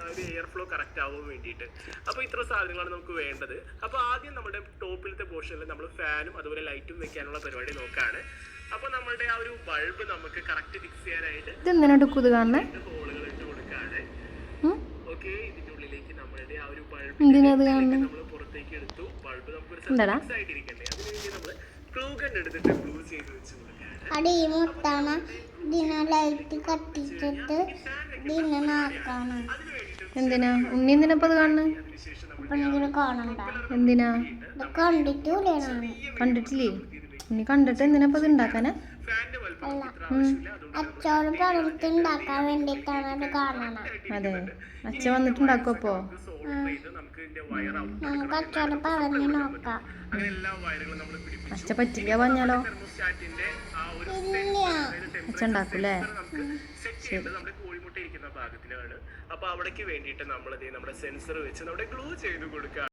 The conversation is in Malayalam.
ഒരു എയർ ഫ്ലോ കറക്റ്റ് ആവാൻ വേണ്ടിയിട്ട്. അപ്പോൾ ഇത്ര സാധനങ്ങളാണ് നമുക്ക് വേണ്ടത്. അപ്പോൾ ആദ്യം നമ്മുടെ ടോപ്പിലത്തെ പോർഷനിൽ നമ്മൾ ഫാനും അതുപോലെ ലൈറ്റും വെക്കാനുള്ള പരിപാടി നോക്കാണ്. അപ്പോൾ നമ്മളുടെ ആ ഒരു ബൾബ് നമുക്ക് കറക്റ്റ് ഫിക്സ് ചെയ്യാനായിട്ട് ഹോളുകൾ ഇട്ട് കൊടുക്കാണ്. ഓക്കെ, ഇതിന്റെ ഉള്ളിലേക്ക് നമ്മളുടെ ആ ഒരു ബൾബ് നമ്മൾ പുറത്തേക്ക് എടുത്തു. ബൾബ് നമുക്കൊരു ഫിക്സ് ആയിട്ടിരിക്കണ്ടേ, അതിനുവേണ്ടി നമ്മൾ ഗ്ലൂ ഗൺ എടുത്തിട്ട് ഗ്ലൂ ചെയ്ത് വെച്ച് കൊടുക്കാണ്. എന്തിനാ ഉണ്ണി എന്തിനപ്പത് കാണുന്നത്? എന്തിനാ കണ്ടിട്ടില്ലേ? ഉണ്ണി കണ്ടിട്ട് എന്തിനപ്പത് ഉണ്ടാക്കാനാ? അച്ഛോട് പറഞ്ഞിട്ടുണ്ടാക്കാൻ വേണ്ടിട്ടാണ് അത് കാണണം. അതെ, അച്ഛ വന്നിട്ടുണ്ടാക്കും. അപ്പോ നമുക്ക് അച്ഛോട് പറഞ്ഞു നോക്കാം. അച്ഛ പറ്റില്ല പറഞ്ഞാലോ? ഇല്ല, അച്ഛ ഉണ്ടാക്കൂലേ? കോഴിമുട്ട ഇരിക്കുന്ന ഭാഗത്തിലാണ്. അപ്പൊ അവിടേക്ക് വേണ്ടിയിട്ട് നമ്മൾ നമ്മുടെ സെൻസർ വെച്ച് നമ്മുടെ ഗ്ലൂ ചെയ്ത് കൊടുക്കുക.